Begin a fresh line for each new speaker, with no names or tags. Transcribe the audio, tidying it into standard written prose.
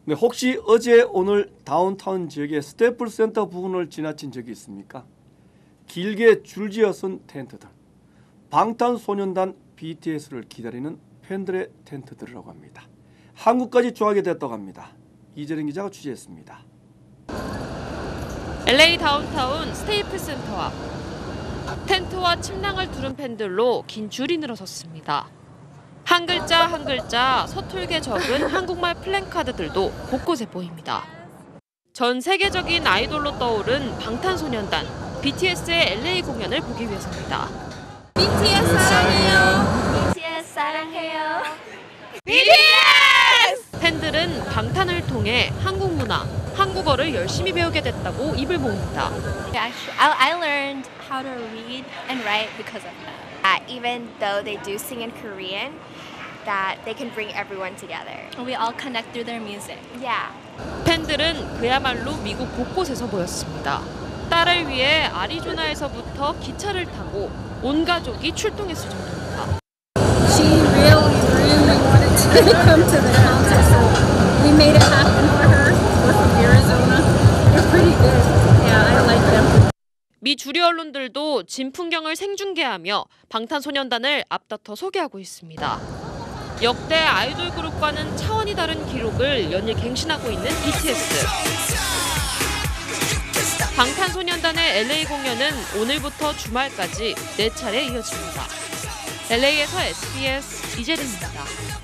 네, 혹시 어제 오늘 다운타운 지역의 스태플 센터 부근을 지나친 적이 있습니까? 길게 줄지어 쓴 텐트들, 방탄소년단 BTS를 기다리는 팬들의 텐트들이라고 합니다. 한국까지 조하게 됐다고 합니다. 이재린 기자가 취재했습니다.
LA 다운타운 스테이플 센터 앞. 텐트와 침낭을 두른 팬들로 긴 줄이 늘어섰습니다. 한 글자 한 글자 서툴게 적은 한국말 플랜카드들도 곳곳에 보입니다. 전 세계적인 아이돌로 떠오른 방탄소년단 BTS의 LA 공연을 보기 위해서입니다.
BTS 사랑해요.
BTS 사랑해요.
BTS! 팬들은 방탄을 통해 한국 문화, 한국어를 열심히 배우게 됐다고 입을 모읍니다.
I learned how to read and write because of that. Even though they do sing in Korean, that they can bring everyone together.
We all connect through their music.
Yeah.
팬들은 그야말로 미국 곳곳에서 모였습니다. 딸을 위해 아리조나에서부터 기차를 타고 온 가족이 출동했을 정도입니다.
She really wanted to come to the concert, so we made it happen for her. We're from Arizona. They're pretty good. Yeah, I like them.
미 주류 언론들도 진 풍경을 생중계하며 방탄소년단을 앞다퉈 소개하고 있습니다. 역대 아이돌 그룹과는 차원이 다른 기록을 연일 갱신하고 있는 BTS. 방탄소년단의 LA 공연은 오늘부터 주말까지 4차례 이어집니다. LA에서 SBS 이재린입니다.